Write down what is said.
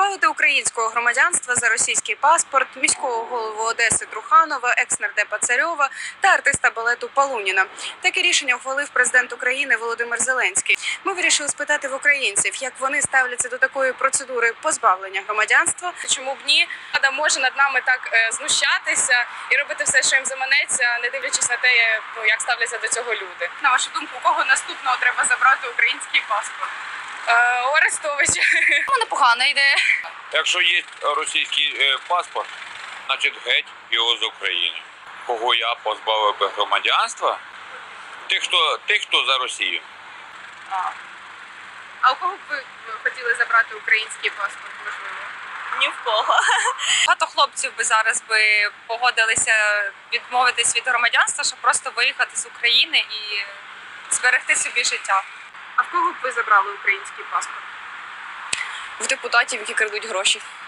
Позбавити українського громадянства за російський паспорт міського голову Одеси Труханова, екс-нардепа Царьова та артиста балету Полуніна. Таке рішення ухвалив президент України Володимир Зеленський. Ми вирішили спитати в українців, як вони ставляться до такої процедури позбавлення громадянства. Чому б ні? Влада може над нами так знущатися і робити все, що їм заманеться, не дивлячись на те, як ставляться до цього люди. На вашу думку, у кого наступного треба забрати український паспорт? У Арестовича. Непогана ідея. Якщо є російський паспорт, значить геть його з України. Кого я позбавив би громадянства? Тих, хто за Росію. А у кого б ви хотіли забрати український паспорт, можливо? Ні в кого. Багато хлопців би зараз погодилися відмовитись від громадянства, щоб просто виїхати з України і зберегти собі життя. А в кого б ви забрали український паспорт? В депутатів, які крадуть гроші.